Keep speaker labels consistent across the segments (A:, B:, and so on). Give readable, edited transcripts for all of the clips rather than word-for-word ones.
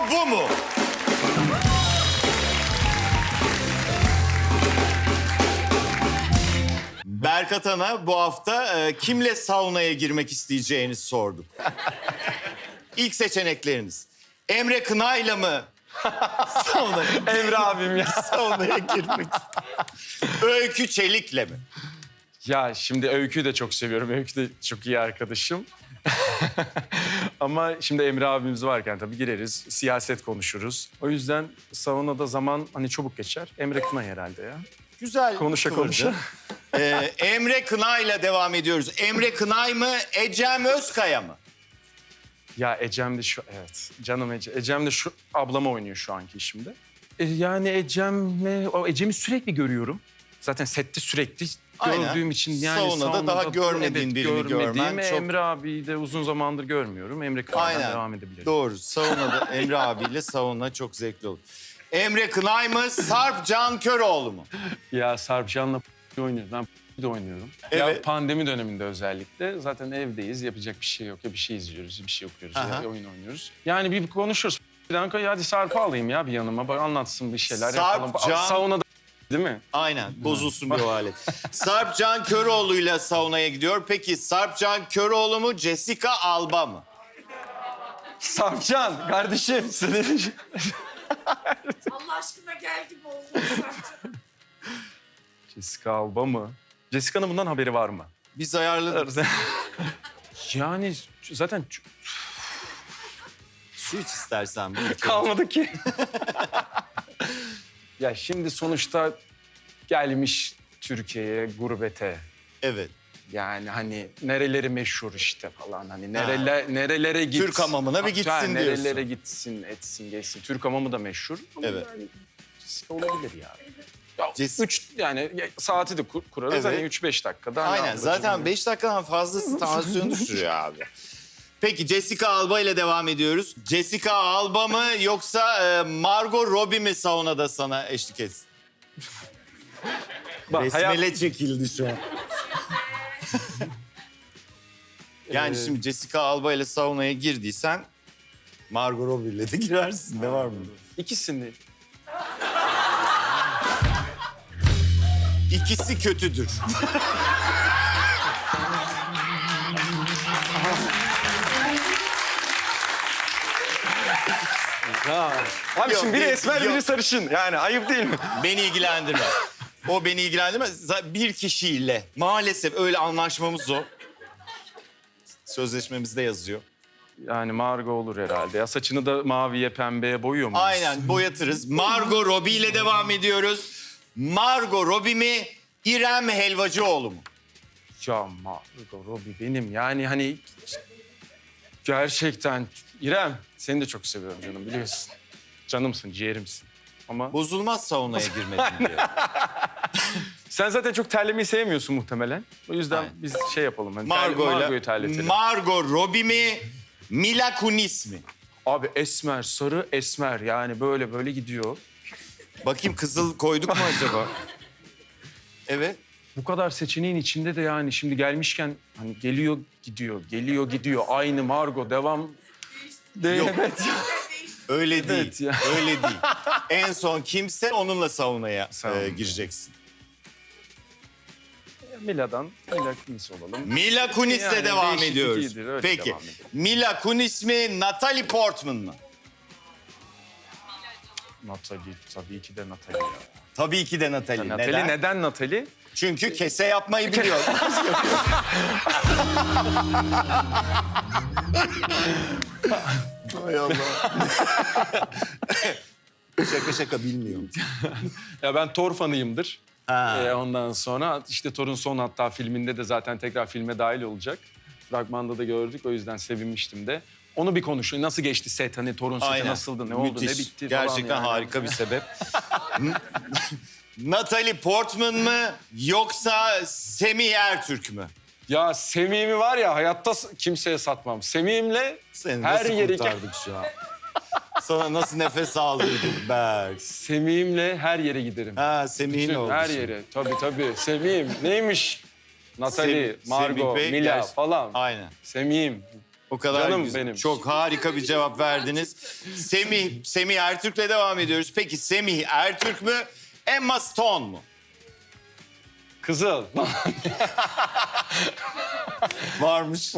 A: bu mu? Berkat Han'a bu hafta kimle saunaya girmek isteyeceğini sorduk. İlk seçenekleriniz. Emre Kınay'la mı saunaya,
B: Emre abim ya.
A: saunaya girmek istiyor? Öykü Çelik'le mi?
B: Ya şimdi Öykü'yü de çok seviyorum. Öykü de çok iyi arkadaşım. Ama şimdi Emre abimiz varken tabii gireriz, siyaset konuşuruz. O yüzden saunada zaman hani çabuk geçer. Emre Kınay herhalde ya.
A: Güzel
B: Konuşa
A: kıvırdın.
B: konuşa.
A: Emre Kınay'la devam ediyoruz. Emre Kınay mı, Ecem Özkaya mı?
B: Ya Ecem de şu, evet canım Ecem de şu ablama oynuyor şu anki işimde. Yani Ecem'i sürekli görüyorum. Zaten sette sürekli
A: Aynen.
B: gördüğüm için yani
A: Saunada daha görmediğin birini görmen çok-
B: Emre abiyi de uzun zamandır görmüyorum. Emre Kınay'dan
A: Aynen.
B: devam edebilirim.
A: Doğru. Saunada Emre abiyle sauna çok zevkli olur. Emre Kınay mı, Sarp Can Köroğlu mu?
B: Ya Sarpcan'la oynuyoruz. Ben de oynuyorum.
A: Evet.
B: Ya pandemi döneminde özellikle zaten evdeyiz. Yapacak bir şey yok. Ya bir şey izliyoruz, ya bir şey okuyoruz,
A: Aha.
B: ya oyun oynuyoruz. Yani bir konuşuruz. Ya hadi Sarp'ı alayım ya bir yanıma. Bak anlatsın bir şeyler
A: Sarp
B: yapalım.
A: Can-
B: Saunada değil mi?
A: Aynen. Bozulsun bir o alet. Sarp Can Köroğlu'yla saunaya gidiyor. Peki Sarp Can Köroğlu mu, Jessica Alba mı?
B: Sarpcan kardeşim senin...
C: Allah aşkına gel gibi oldu.
B: Jessica Alba mı? Jessica'nın bundan haberi var mı?
A: Biz ayarladık.
B: Yani zaten
A: Su iç istersen.
B: kalmadı ki. Ya şimdi sonuçta gelmiş Türkiye'ye gurbete.
A: Evet.
B: Yani hani nereleri meşhur işte falan hani nerelere git.
A: Türk hamamına bir gitsin
B: Ha,
A: diyorsun.
B: nerelere gitsin, etsin, geçsin. Türk hamamı da meşhur. Ama
A: Evet.
B: yani Jessica olabilir ya. Ya
A: Jessica-
B: yani saati de kurarız
A: Evet.
B: hani 3-5 dakikada. hani
A: Aynen.
B: ablacığım.
A: Zaten 5 dakikadan fazlası tansiyon düşürüyor abi. Peki Jessica Alba ile devam ediyoruz. Jessica Alba mı yoksa Margot Robbie mi saunada sana eşlik etsin?
B: Bak,
A: Besmele çekildi şu an. Yani şimdi Jessica Alba ile saunaya girdiysen Margot Robbie ile de girersin. Ne var mı?
B: İkisini.
A: İkisi kötüdür.
B: Abi
A: Yok,
B: şimdi biri
A: yok,
B: esmer
A: yok.
B: biri sarışın. Yani ayıp değil mi?
A: Beni ilgilendirmez. O beni ilgilendirmez. Bir kişiyle maalesef öyle anlaşmamız o. Sözleşmemizde yazıyor.
B: Yani Margot olur herhalde. Ya saçını da maviye pembeye boyuyor muyuz?
A: Aynen boyatırız. Margot Robbie ile devam ediyoruz. Margot Robbie mi, İrem Helvacıoğlu mu?
B: Ya Margot Robbie benim yani hani gerçekten İrem seni de çok seviyorum canım biliyorsun. Canımsın, ciğerimsin. Ama
A: Bozulmaz saunaya girmedin diye.
B: sen zaten çok terlemeyi sevmiyorsun muhtemelen. O yüzden
A: Aynen.
B: biz şey yapalım. Hani
A: Margot'la
B: Margot'u terletelim.
A: Margot Robbie mi, Mila Kunis mi?
B: Abi esmer, sarı esmer yani böyle gidiyor.
A: Bakayım kızıl koyduk mu acaba? Evet.
B: Bu kadar seçeneğin içinde de yani şimdi gelmişken hani geliyor gidiyor. Aynı Margot devam.
A: Yok.
B: Evet.
A: Öyle
B: Evet
A: değil.
B: ya.
A: Öyle değil. En son kimse onunla saunaya
B: Saunaya.
A: gireceksin.
B: Mila Kunis olalım.
A: Mila Kunis'le
B: Yani
A: devam
B: değişiklik
A: ediyoruz.
B: iyidir, öyle
A: Peki.
B: devam edelim.
A: Mila Kunis mi, Natalie Portman mı?
B: Natalie, tabii ki de Natalie ya.
A: Tabii ki de Natalie.
B: Natalie neden Natalie?
A: Çünkü kese yapmayı biliyor. Hay Allah. Şaka bilmiyorum.
B: Ya ben Thor fanıyımdır.
A: Ha.
B: Ondan sonra işte Thor'un son hatta filminde de zaten tekrar filme dahil olacak. Fragmanda da gördük o yüzden sevinmiştim de. Onu bir konuşun. Nasıl geçti set? Hani Thor'un seti
A: Aynen.
B: nasıldı? Ne oldu?
A: Müthiş.
B: Ne bitti falan
A: Gerçekten
B: yani.
A: harika bir sebep. Natalie Portman mı yoksa Semih Ertürk mü?
B: Ya Semih'imi var ya hayatta kimseye satmam. Semih'imle
A: Seni
B: her
A: nasıl
B: yere
A: kurtardık şu an? Sana nasıl nefes aldırdık Berk?
B: Semih'imle her yere giderim.
A: Ha Semih'in
B: Bütün
A: oldu
B: her
A: şimdi.
B: yere. Tabii. Semih'im neymiş? Natalie,
A: Semih
B: Margot,
A: Bey
B: Mila
A: gerçi-
B: falan.
A: Aynen.
B: Semih'im.
A: O kadar
B: Canım
A: güzel.
B: benim.
A: Çok harika bir cevap verdiniz. Semih Ertürk'le devam ediyoruz. Peki Semih Ertürk mü, Emma Stone mu?
B: Kızıl.
A: Varmış.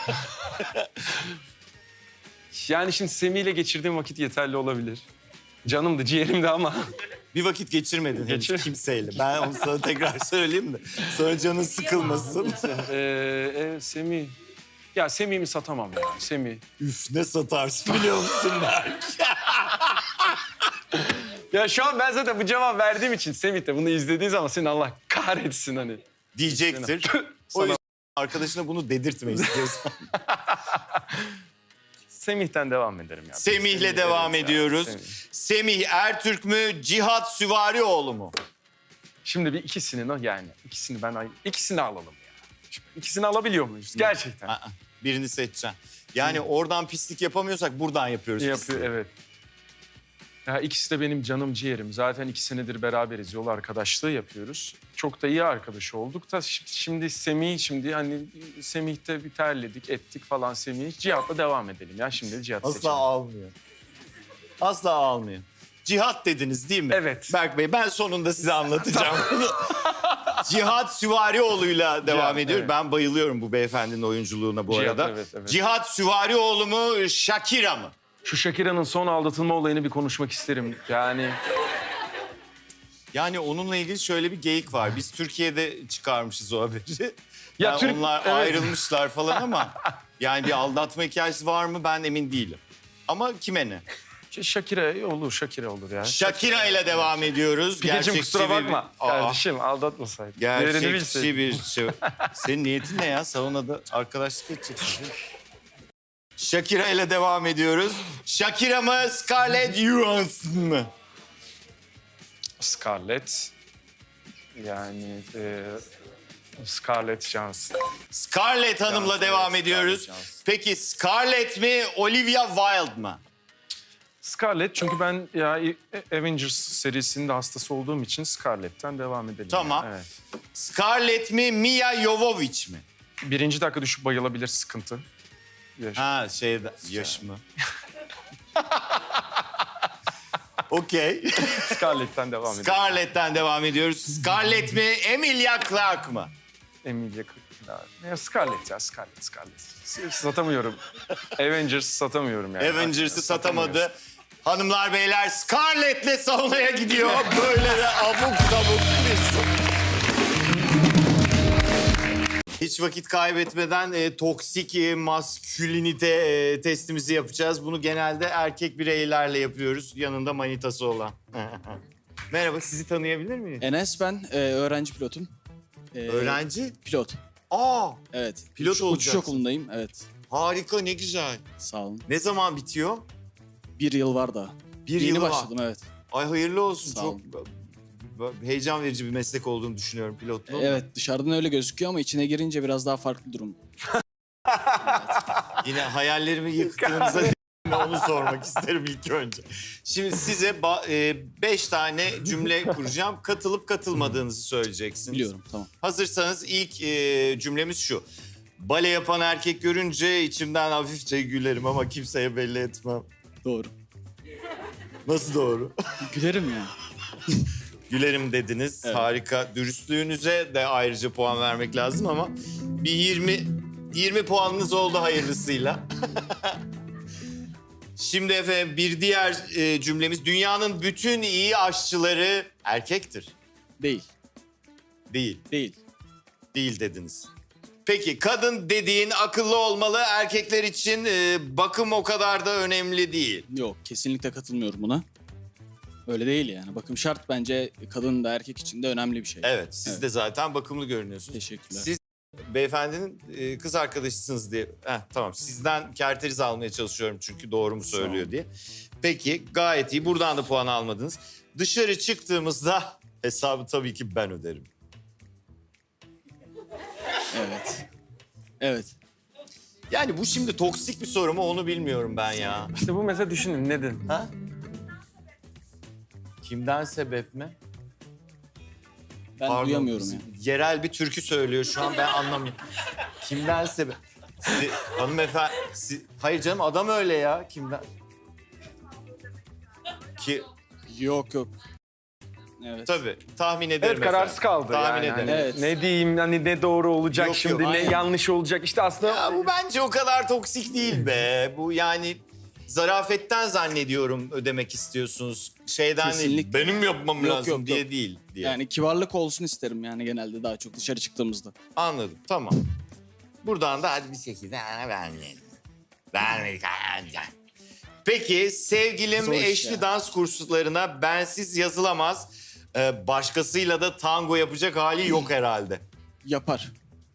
B: Yani şimdi Semih ile geçirdiğim vakit yeterli olabilir. Canımdı, ciğerimdi ama.
A: Bir vakit geçirmedin henüz
B: Geçir-
A: kimseyle. Ben onu sana tekrar söyleyeyim de. Sonra canın sıkılmasın.
B: Semih. Ya Semih'imi satamam ya. Semih.
A: Üf ne satarsın biliyor musun Berk?
B: Ya şu an ben zaten bu cevap verdiğim için Semih de bunu izlediği zaman seni Allah kahretsin hani.
A: Diyecektir. O yüzden arkadaşına bunu dedirtme istiyorsan.
B: Semih'ten devam ederim ya.
A: Semih'le devam
B: evet ya,
A: ediyoruz.
B: Semih.
A: Semih Ertürk mü, Cihat Süvarioğlu mu?
B: Şimdi bir ikisini alalım ya. Şimdi ikisini alabiliyor muyuz? Gerçekten.
A: Aa, birini seçeceksin. Yani oradan pislik yapamıyorsak buradan yapıyoruz
B: Yapıyor,
A: pisliği.
B: evet. Ya ikisi de benim canım ciğerim. Zaten 2 senedir beraberiz. Yol arkadaşlığı yapıyoruz. Çok da iyi arkadaş olduk da şimdi Semih'te bir terledik, ettik falan Semih. Cihat'la devam edelim ya. Şimdi de Cihat'ı
A: Asla
B: seçelim.
A: almıyor. Asla almıyor. Cihat dediniz değil mi?
B: Evet.
A: Berk Bey ben sonunda size anlatacağım bunu. Cihat Süvarioğlu'yla devam
B: Cihat,
A: ediyor.
B: evet.
A: Ben bayılıyorum bu beyefendinin oyunculuğuna bu
B: Cihat,
A: arada.
B: evet.
A: Cihat Süvarioğlu mu, Shakira mı?
B: Şu Shakira'nın son aldatılma olayını bir konuşmak isterim.
A: Yani onunla ilgili şöyle bir geyik var. Biz Türkiye'de çıkarmışız o haberi.
B: Ya
A: Yani onlar
B: evet.
A: ayrılmışlar falan ama yani bir aldatma hikayesi var mı ben emin değilim. Ama kime ne?
B: Shakira olur ya.
A: Shakira ile devam ediyoruz.
B: Pideciğim kusura bakma.
A: Aa,
B: Kardeşim aldatmasaydın. Değerini
A: gerçekçi
B: bilseydin.
A: bir şey. Senin niyetin ne ya? Saunada arkadaşlık edeceksin. Shakira ile devam ediyoruz. Shakira mı, Scarlett Johansson mı?
B: Scarlett. Scarlett Johansson.
A: Scarlett Hanım'la
B: Johansson,
A: devam
B: evet,
A: ediyoruz.
B: Scarlett Johansson.
A: Peki Scarlett mi, Olivia Wilde mı?
B: Scarlett çünkü ben Avengers serisinin de hastası olduğum için Scarlett'ten devam edelim.
A: Tamam.
B: Yani, evet.
A: Scarlett mi, Mia Jovovich mi?
B: 1. dakika düşüp bayılabilir sıkıntı.
A: Ha yaş mı? Okey.
B: Scarlett'ten devam edelim.
A: Scarlett'ten devam ediyoruz. Scarlett mi, Emilia Clarke mı?
B: Emilia Clarke. Scarlett ya Scarlett. Satamıyorum. Avengers satamıyorum yani.
A: Avengers'ı
B: Satamıyoruz.
A: satamadı. Hanımlar beyler Scarlett'le saunaya gidiyor. Böyle de abuk sabuk bir Hiç vakit kaybetmeden toksik maskülinite testimizi yapacağız. Bunu genelde erkek bireylerle yapıyoruz. Yanında manitası olan. Merhaba, sizi tanıyabilir miyim?
D: Enes ben, öğrenci pilotum.
A: Öğrenci?
D: Pilot,
A: Aa,
D: evet.
A: Pilot
D: Uçuş
A: olacaksın.
D: okulundayım, evet.
A: harika, ne güzel.
D: Sağ olun.
A: Ne zaman bitiyor?
D: 1 yıl var daha.
A: Bir
D: Yeni
A: yılı var.
D: başladım, evet.
A: Ay hayırlı olsun.
D: Sağ
A: Çok
D: olun.
A: heyecan verici bir meslek olduğunu düşünüyorum pilotluğun.
D: Evet, dışarıdan öyle gözüküyor ama içine girince biraz daha farklı durum.
A: Yine hayallerimi yıktığınıza onu sormak isterim ilk önce. Şimdi size 5 tane cümle kuracağım. Katılıp katılmadığınızı söyleyeceksiniz.
D: Biliyorum, tamam.
A: Hazırsanız ilk cümlemiz şu. Bale yapan erkek görünce içimden hafifçe gülerim ama kimseye belli etmem.
D: Doğru.
A: Nasıl doğru?
D: Gülerim ya.
A: Gülerim dediniz.
D: Evet.
A: Harika. Dürüstlüğünüze de ayrıca puan vermek lazım ama bir 20 puanınız oldu hayırlısıyla. Şimdi efendim bir diğer cümlemiz. Dünyanın bütün iyi aşçıları erkektir.
D: Değil,
A: Değil.
D: değil.
A: Değil dediniz. Peki kadın dediğin akıllı olmalı. Erkekler için bakım o kadar da önemli değil.
D: Yok, kesinlikle katılmıyorum buna. Öyle değil yani. Bakım şart bence kadın da erkek için de önemli bir şey.
A: Evet, siz
D: Evet.
A: de zaten bakımlı görünüyorsunuz.
D: Teşekkürler.
A: Siz beyefendinin kız arkadaşısınız diye. Tamam, sizden kerteriz almaya çalışıyorum çünkü doğru mu söylüyor
D: Sağ ol.
A: diye. Peki, gayet iyi. Buradan da puan almadınız. Dışarı çıktığımızda hesabı tabii ki ben öderim.
D: Evet. Evet.
A: Yani bu şimdi toksik bir soru mu onu bilmiyorum ben ya.
B: İşte bu mesela düşünün neden?
A: Ha? Kimden sebep mi?
D: Ben
A: Pardon,
D: duyamıyorum ya.
A: Yerel bir türkü söylüyor şu an ben anlamıyorum. Kimden sebep? Hanımefendi... Hayır canım adam öyle ya. Kimden? Ki
D: Yok yok. Evet.
A: tabii tahmin ederim.
B: Evet kararsız
A: efendim.
B: kaldı
A: Tahmin
B: yani.
A: ederim.
B: Hani
D: Evet.
B: ne diyeyim, hani ne doğru olacak
A: Yok,
B: şimdi,
A: yok,
B: ne
A: aynen.
B: yanlış olacak. İşte aslında
A: Ya bu bence o kadar toksik değil be. Bu yani zarafetten zannediyorum ödemek istiyorsunuz. Şeyden değil,
D: Kesinlikle.
A: benim yapmam
D: Yok,
A: lazım
D: yok,
A: diye
D: yok.
A: değil diye.
D: Yani kibarlık olsun isterim yani genelde daha çok dışarı çıktığımızda.
A: Anladım, tamam. Buradan da hadi bir şekilde vermeyelim. Vermedik. Peki sevgilim
D: Zor iş
A: eşli
D: ya.
A: dans kurslarına bensiz yazılamaz. Başkasıyla da tango yapacak hali yok herhalde.
D: Yapar.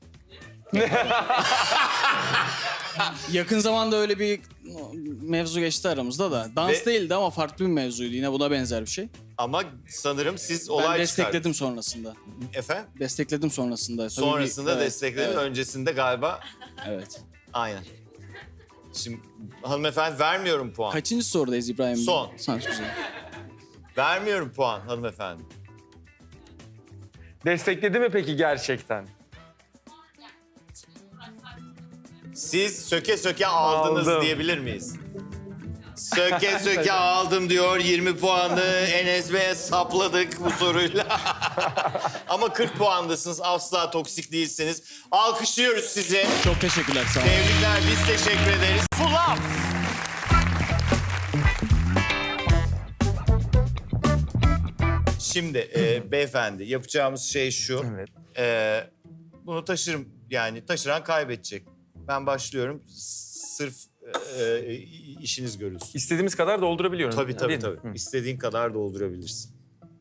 D: Yakın zamanda öyle bir mevzu geçti aramızda da. Dans
A: Ve-
D: değildi ama farklı bir mevzuydu. Yine buna benzer bir şey.
A: Ama sanırım siz
D: Ben
A: olay
D: destekledim sonrasında.
A: çıkardınız. Efendim?
D: Destekledim sonrasında. Tabii
A: Sonrasında
D: evet,
A: destekledin,
D: evet,
A: öncesinde galiba
D: evet.
A: aynen. Şimdi hanımefendi vermiyorum puan.
D: Kaçıncı sorudayız İbrahim?
A: Son.
D: Sanat güzel.
A: Vermiyorum puan hanımefendi.
B: destekledi mi peki gerçekten?
A: Siz söke söke aldınız
B: Aldım.
A: diyebilir miyiz? Söke söke aldım diyor. 20 puanı Enes Bey'e sapladık bu soruyla. Ama 40 puandasınız. Asla toksik değilsiniz. Alkışlıyoruz sizi.
D: Çok teşekkürler. Sağ olun.
A: Tebrikler. Biz teşekkür ederiz. Full up. Şimdi beyefendi yapacağımız şey şu.
B: Evet.
A: Bunu taşırım yani taşıran kaybedecek. Ben başlıyorum. Sırf işiniz görülsün.
B: İstediğimiz kadar doldurabiliyorum.
A: Tabii
B: Değil mi?
A: tabii. İstediğin kadar doldurabilirsin.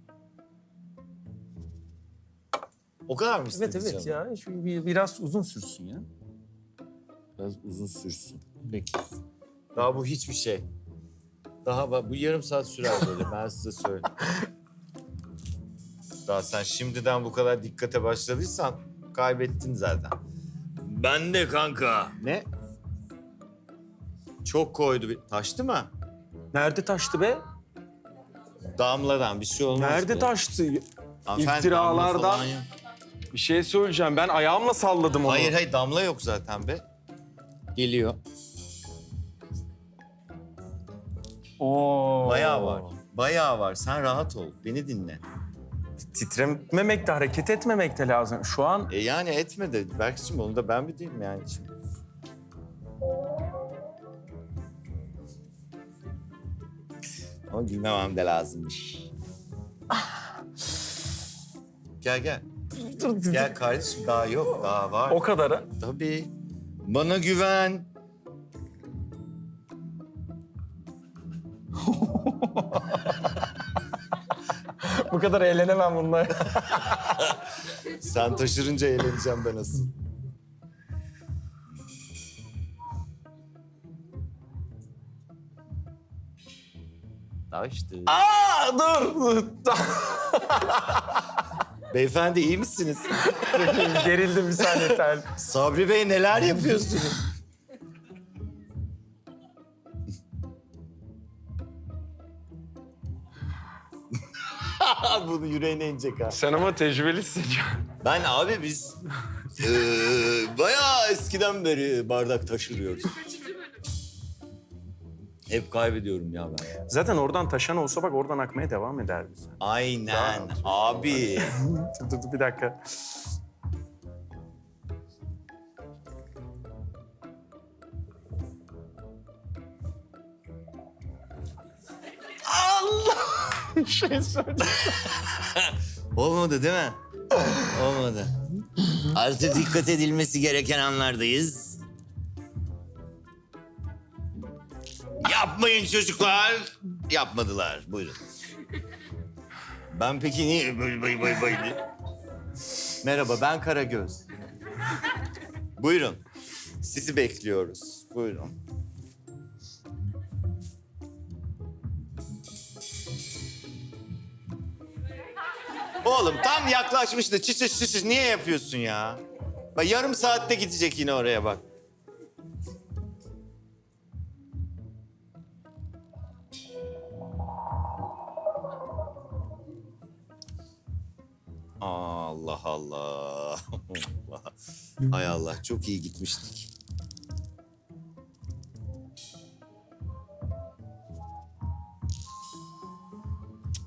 A: O kadar mı
B: Evet
A: istedin
B: evet
A: canım?
B: ya. Şu biraz uzun sürsün ya.
A: Biraz uzun sürsün. Peki. Daha bu hiçbir şey. Bu yarım saat sürer böyle ben size söyleyeyim. Daha sen şimdiden bu kadar dikkate başladıysan kaybettin zaten. Ben de kanka. Ne? Çok koydu. Taştı mı?
B: Nerede taştı be?
A: Damladan bir şey olmaz.
B: Nerede
A: be.
B: taştı?
A: Hanımefendi,
B: İftiralardan-
A: damla falan yok.
B: Bir şey söyleyeceğim. Ben ayağımla salladım onu.
A: Hayır damla yok zaten be. Geliyor.
B: Oo.
A: Bayağı var. Bayağı var. Sen rahat ol. Beni dinle.
B: Titrememek de hareket etmemek de lazım. Şu an
A: Yani etme de Berk'cim onu da ben mi diyeyim yani şimdi? Ama gülmemem de lazımmış. Gel. Gel kardeşim daha yok daha var.
B: o kadara.
A: Tabii. Bana güven.
B: Bu kadar eğlenemem bunlar.
A: Sen taşırınca eğleneceğim ben asıl. Taştı.
B: Aa dur.
A: Beyefendi iyi misiniz?
B: Gerildim bir saniye tel.
A: Sabri Bey neler yapıyorsunuz? Bunu yüreğine inecek ha.
B: Sen ama tecrübelisin.
A: Ben abi biz bayağı eskiden beri bardak taşırıyoruz. Hep kaybediyorum ya ben.
B: Zaten oradan taşan olsa bak oradan akmaya devam ederdi.
A: Aynen abi.
B: Dur bir dakika. Allah! şey söyle.
A: Olmadı değil mi? Olmadı. Artık dikkat edilmesi gereken anlardayız. Yapmayın çocuklar. Yapmadılar. Buyurun. Ben peki niye bay diye? Merhaba ben Karagöz. Buyurun. Sizi bekliyoruz. Buyurun. Oğlum tam yaklaşmıştı. Çıçış niye yapıyorsun ya? Bak yarım saatte gidecek yine oraya bak. Allah Allah. Allah. Hay Allah çok iyi gitmiştik.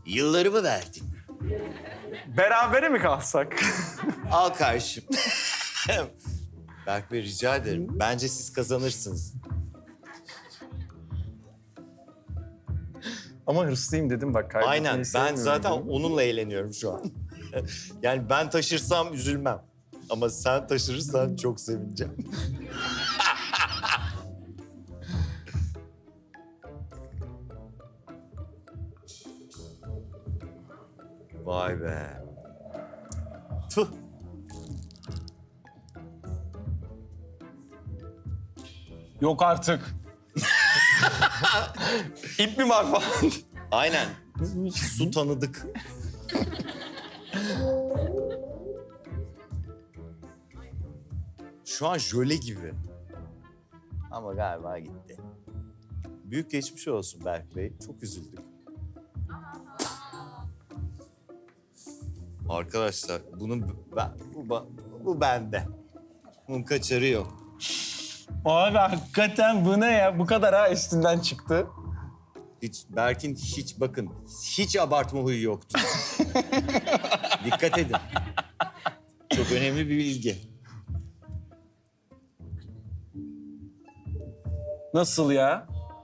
A: Yıllarımı verdin.
B: Berabere mi kalsak?
A: Al karşım. Berk Bey rica ederim. Bence siz kazanırsınız.
B: Ama hırslıyım dedim bak. kaybetmeyi
A: Aynen. Ben
B: sevmiyorum
A: zaten
B: dedim.
A: onunla eğleniyorum şu an. Yani ben taşırsam üzülmem. Ama sen taşırırsan çok sevineceğim. Vay be. Tuh.
B: Yok artık. İp mi var falan?
A: Aynen. Su tanıdık. Şu an jöle gibi. Ama galiba gitti. Büyük geçmiş olsun Berk Bey. Çok üzüldük. Arkadaşlar bu bende. Bunun kaçarı yok.
B: Abi hakikaten bu ne ya? Bu kadar ha üstünden çıktı.
A: Berk'in hiç abartma huyu yoktu. Dikkat edin. Çok önemli bir bilgi.
B: Nasıl ya?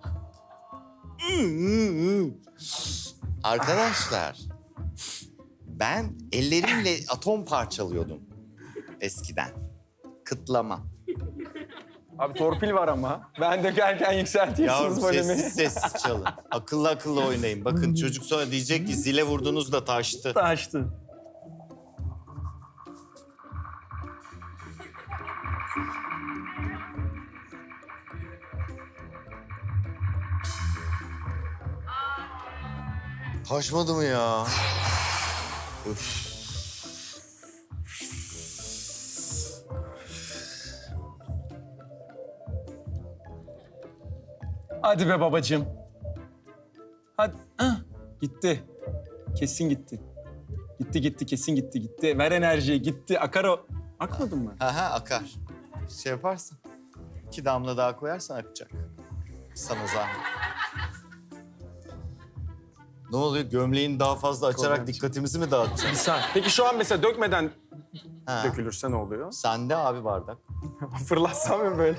A: Arkadaşlar, ben ellerimle atom parçalıyordum eskiden. Kıtlama.
B: Abi torpil var ama. Ben dökerken
A: Yavrum
B: yükseltiyorsunuz volümü.
A: sessiz çalın. Akıllı akıllı oynayın. Bakın çocuk sonra diyecek ki zile vurdunuz da taştı.
B: Taştı.
A: Taşmadı mı ya? Üf.
B: Hadi be babacığım. Hadi. Ah, gitti. Kesin gitti. Gitti kesin gitti. Ver enerjiyi gitti. Akar o. Akmadı mı?
A: Aha akar. Şey yaparsan, 2 damla daha koyarsan akacak. Sana zahmet. Ne oluyor? Gömleğini daha fazla açarak
B: Kolay.
A: dikkatimizi mi dağıtacaksın?
B: Bir saniye. Peki şu an mesela dökmeden
A: Ha.
B: dökülürse ne oluyor?
A: Sende abi bardak.
B: Fırlatsam mı böyle?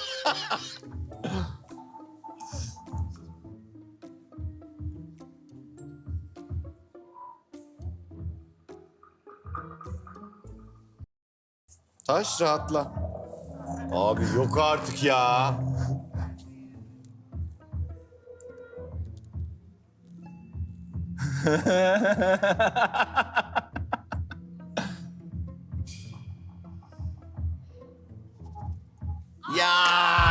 A: Taş rahatla. Abi yok artık ya. Ya.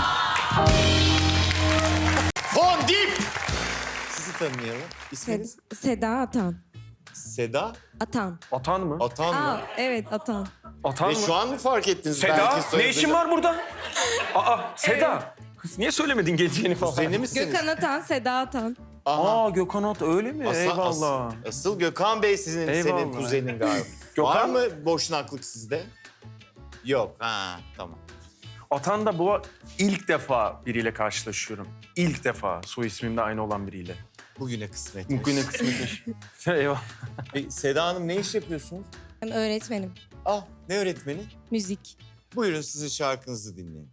A: Fondip. Sizi tanıyalım. İsminiz?
C: Seda Atan.
A: Seda
C: Atan.
B: Atan mı?
A: Atan mı?
C: Aa, evet Atan.
B: Atan
A: Ve
B: mı?
A: şu an mı fark ettiniz?
B: Seda,
A: Belki
B: ne
A: soyadını?
B: işin var burada? Aa, Seda. Kız niye söylemedin geleceğini falan?
A: Kuzeni misiniz?
C: Gökhan Atan, Seda Atan.
A: Aha.
B: Aa, Gökhan At öyle mi? Eyvallah.
A: Asıl Gökhan Bey senin
B: Eyvallah.
A: kuzenin galiba.
B: Gökhan-
A: Var mı boşnaklık sizde? Yok. Ha tamam.
B: Atan da bu ilk defa biriyle karşılaşıyorum. İlk defa soy ismimde aynı olan biriyle.
A: Bugüne kısmet.
B: Bugüne kısmetmiş. Eyvallah.
A: Seda Hanım ne iş yapıyorsunuz?
C: Ben öğretmenim.
A: Ah ne öğretmeni?
C: Müzik.
A: Buyurun sizin şarkınızı dinleyin.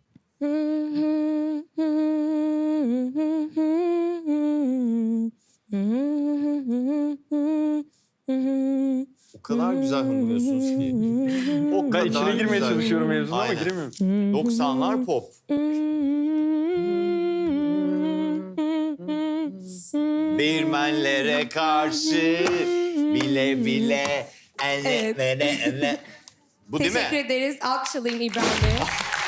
A: O kadar güzel hınlıyorsunuz ki. O
B: Ben
A: kadar
B: içine girmeye
A: güzel.
B: çalışıyorum mevzuna ama
A: Aynen.
B: giremiyorum.
A: 90'lar pop. Değirmenlere karşı bile bile
C: Evet.
A: Bu değil
C: Teşekkür
A: mi?
C: ederiz. Alkış alayım İbrahim Bey'e.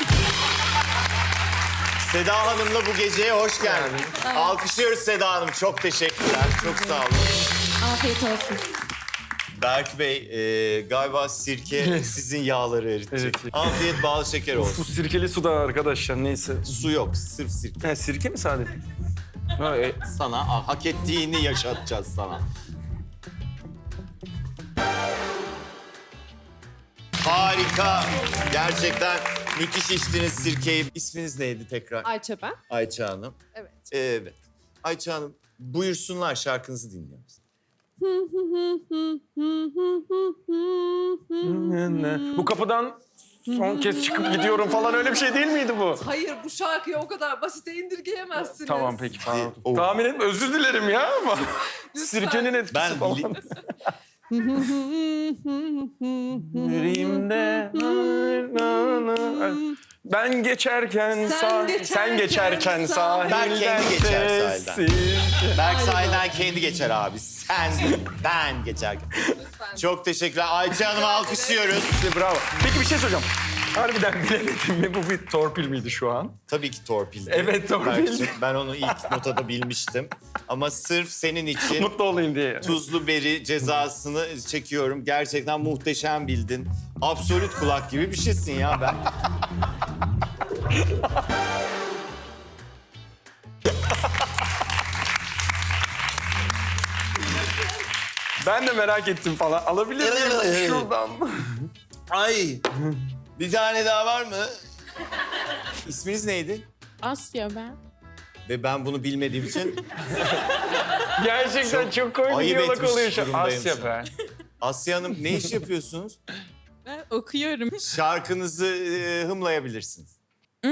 A: Seda Hanım'la bu geceye hoş geldin. Alkışlıyoruz Seda Hanım. Çok teşekkürler. Çok sağ olun.
C: Afiyet olsun.
A: Berk Bey, galiba sirke sizin yağları eritecek.
B: Evet.
A: Afiyet bal şeker
B: Bu
A: olsun.
B: sirkeli suda arkadaşlar neyse.
A: Su yok, sırf sirke.
B: Ha, sirke mi sadece? Ha,
A: Sana hak ettiğini yaşatacağız sana. Harika. Gerçekten müthiş içtiniz sirkeyi. İsminiz neydi tekrar?
E: Ayça ben.
A: Ayça Hanım.
E: Evet.
A: Evet. Ayça Hanım, buyursunlar şarkınızı dinliyoruz.
B: Bu kapıdan son kez çıkıp gidiyorum falan öyle bir şey değil miydi bu?
E: Hayır, bu şarkıyı o kadar basite indirgeyemezsiniz.
B: Tamam peki falan.
A: Oh.
B: Tahmin etme özür dilerim ya ama sirkenin etkisi
A: Ben
B: falan. Yüreğimde ben geçerken sen geçerken sahilden
A: Ben kendi geçer sahilden.
B: sessiz.
A: Berk sahilden kendi geçer abi. Ben geçerken. Çok teşekkürler. Ayça Hanım'ı alkışlıyoruz.
B: Bravo. Peki bir şey soracağım. Harbiden bilemedim mi? Bu bir torpil miydi şu an?
A: Tabii ki torpildi.
B: Evet, torpil.
A: Berk'cim, ben onu ilk notada bilmiştim. Ama sırf senin için
B: Mutlu olayım diye.
A: tuzlu beri cezasını çekiyorum. Gerçekten muhteşem bildin. Absolut kulak gibi bir şeysin ya ben.
B: Ben de merak ettim falan. Alabilir miyim şuradan?
A: Ay. Bir tane daha var mı? İsminiz neydi?
F: Asya ben.
A: Ve ben bunu bilmediğim için
B: Gerçekten çok komik bir
A: ayıp
B: diyalog
A: etmiş
B: oluyor şu an.
A: durumdayım
B: Asya
A: şu
B: be.
A: Asya Hanım ne iş yapıyorsunuz?
F: Ben okuyorum.
A: Şarkınızı hımlayabilirsiniz.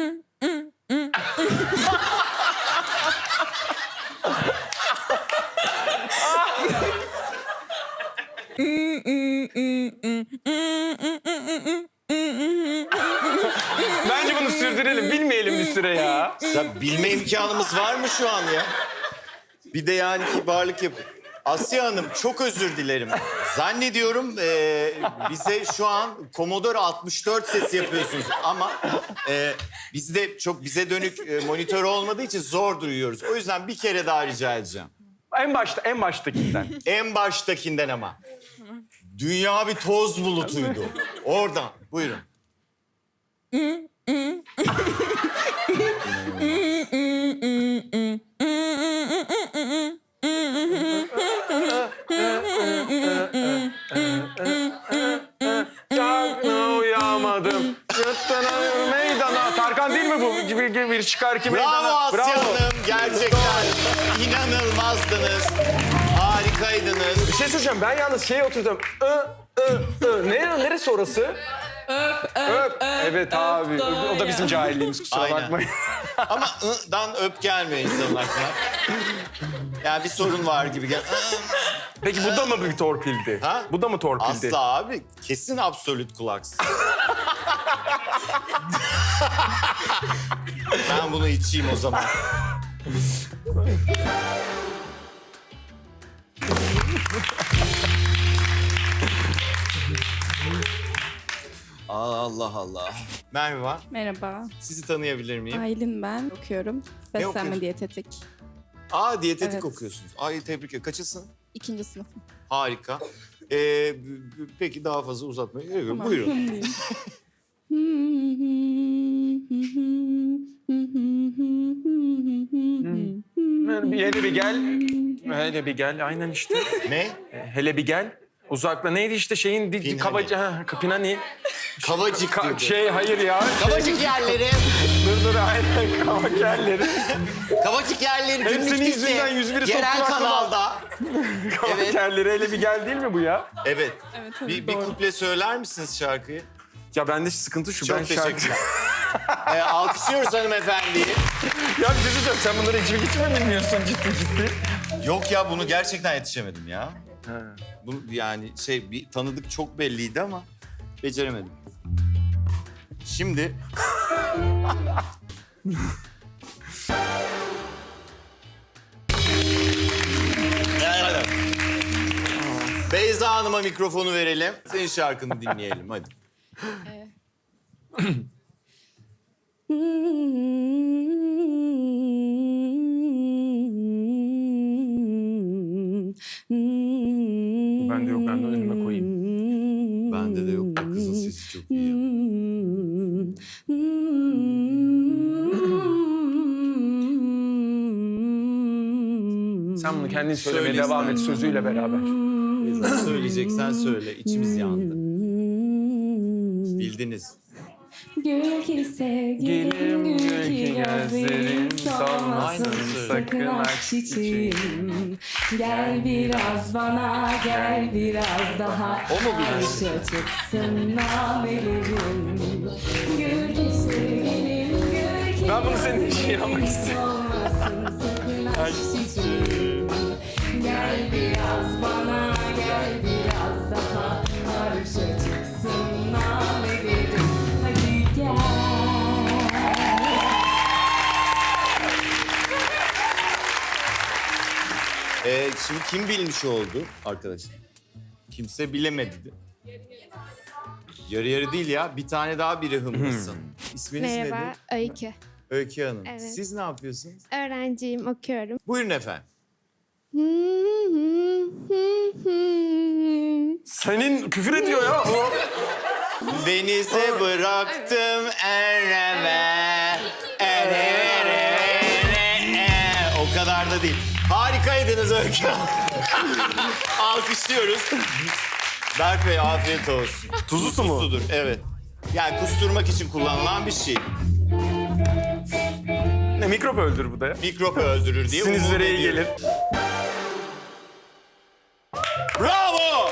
B: Bence bunu sürdürelim. Bilmeyelim bir süre ya.
A: Ya bilme imkanımız var mı şu an ya? Bir de yani kibarlık yap. Asya Hanım çok özür dilerim. Zannediyorum bize şu an Commodore 64 sesi yapıyorsunuz ama bizde çok bize dönük monitör olmadığı için zor duyuyoruz. O yüzden bir kere daha rica edeceğim.
B: En baştakinden.
A: En baştakinden ama. Dünya bir toz bulutuydu. Oradan. Buyurun.
B: Çakma uyamadım. Yırttın meydana. Tarkan değil mi bu? Gibi bir çıkar ki meydana.
A: Bravo Asya Hanım. Gerçekten inanılmazdınız. Harikaydınız.
B: Bir şey söyleyeceğim. Ben yalnız şeye oturdum. Neresi orası? Öp. Evet abi. O da bizim cahilliğimiz. Kusura
A: Aynen.
B: bakmayın.
A: Ama ı'dan öp gelmiyor insanın aklına. Yani bir sorun var gibi.
B: Peki bu da mı bir torpildi?
A: Ha?
B: Bu da mı torpildi?
A: Asla abi. Kesin absolut kulaksın. Ben bunu içeyim o zaman. Allah Allah. Merhaba.
C: Merhaba.
A: Sizi tanıyabilir miyim?
C: Aylin ben. Okuyorum. Beslenme
A: okuyorsun?
C: diyetetik.
A: Diyetetik
C: Evet.
A: okuyorsunuz. Ay tebrik ederim. Kaçısın?
C: 2. sınıfım.
A: Harika. Peki daha fazla uzatmayın.
C: Tamam.
A: Buyurun.
B: Hele bir gel. Hele bir gel. Aynen işte.
A: Ne?
B: Hele bir gel. Uzakla. Neydi işte şeyin
A: Pinhani.
B: kabacı. Pinhani.
A: Kavacık diyordu.
B: Hayır ya.
A: Kavacık yerleri.
B: Dur aynen kavak yerleri.
A: Kavacık yerleri
B: Hepsinin
A: günlük dizi.
B: yüzünden 101'i
A: Yerel
B: soktu aklıma.
A: kanalda.
B: Kavak
A: Evet.
B: yerleri hele bir gel değil mi bu ya?
A: Evet.
C: Evet tabii
A: Bir
C: doğru.
A: kuple söyler misiniz şarkıyı?
B: Ya bende sıkıntı şu.
A: Çok
B: ben
A: teşekkürler. Alkışlıyoruz hanımefendiyi.
B: Ya bir şey söyleyeceğim. Sen bunları içmek hiç mi bilmiyorsun ciddi?
A: Yok ya bunu gerçekten yetişemedim ya.
B: Ha.
A: Bu yani bir tanıdık çok belliydi ama beceremedim. Şimdi Beyza Hanım'a mikrofonu verelim. Senin şarkını dinleyelim hadi.
B: Bende yok. Ben de önüme koyayım.
A: Bende de yok. Bu kızın sesi çok iyi. Ya.
B: Sen bunu kendin söylemeye
A: Söyle
B: devam et
A: istersen.
B: sözüyle beraber.
A: Beyza söyleyeceksen söyle. İçimiz yandı. Bildiniz.
F: Gül ki sevgilim, gül ki gözlerin solmasın. Sakın aç çiçeğim. Gel biraz bana, gel biraz daha.
B: O mu bilir?
F: Arşa çıksın namelerim. Gül ki sevgilim, gül ki
B: Ben bunu senin için
F: gözlerin
B: yapmak istiyorum.
F: solmasın. Sakın aç çiçeğim. Gel biraz bana, gel biraz daha. Arşa çıksın namelerim. Hadi gel.
A: Şimdi kim bilmiş oldu arkadaşlar? Kimse bilemedi. Yarı yarı değil ya. Bir tane daha biri hımlısın. İsminiz
G: Merhaba,
A: nedir?
G: Öykü.
A: Öykü Hanım.
G: Evet.
A: Siz ne yapıyorsunuz?
G: Öğrenciyim, okuyorum.
A: Buyurun efendim.
B: Senin küfür ediyor ya o.
A: Denize bıraktım ereme. O kadar da değil. Harikaydınız Öykü Hanım. Alkışlıyoruz. Berk Bey afiyet olsun.
B: Tuzlu su mu?
A: Tuzludur, evet. Yani kusturmak için kullanılan bir şey.
B: Ne mikrop öldür bu da ya.
A: Mikrop öldürür diye umut
B: Sinizlere iyi
A: ediyorum.
B: gelir.
A: Bravo!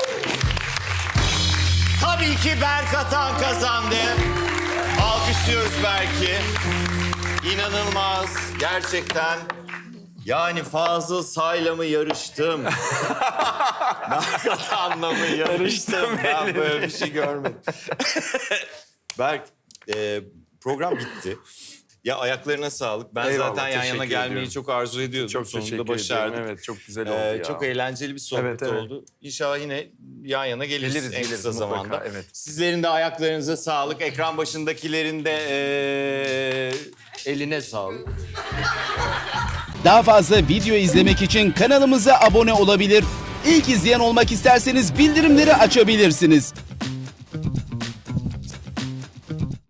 A: Tabii ki Berk Atan kazandı. Alkışlıyoruz Berk'i. İnanılmaz. Gerçekten. Yani Fazıl Say'la mı yarıştım? Berk Atan'la mı yarıştım? Ben böyle bir şey görmedim. Berk, program bitti. Ya ayaklarına sağlık. Ben
B: Eyvallah,
A: zaten yan yana
B: teşekkür
A: gelmeyi
B: ediyorum.
A: çok arzu ediyordum.
B: Çok
A: Sonunda
B: teşekkür
A: başardık.
B: ederim. Evet çok güzel oldu ya.
A: Çok eğlenceli bir sohbet
B: Evet, evet.
A: oldu. İnşallah yine yan yana geliriz, en kısa
B: mutlaka,
A: zamanda.
B: evet.
A: Sizlerin de ayaklarınıza sağlık. Ekran başındakilerin de eline sağlık.
H: Daha fazla video izlemek için kanalımıza abone olabilir. İlk izleyen olmak isterseniz bildirimleri açabilirsiniz.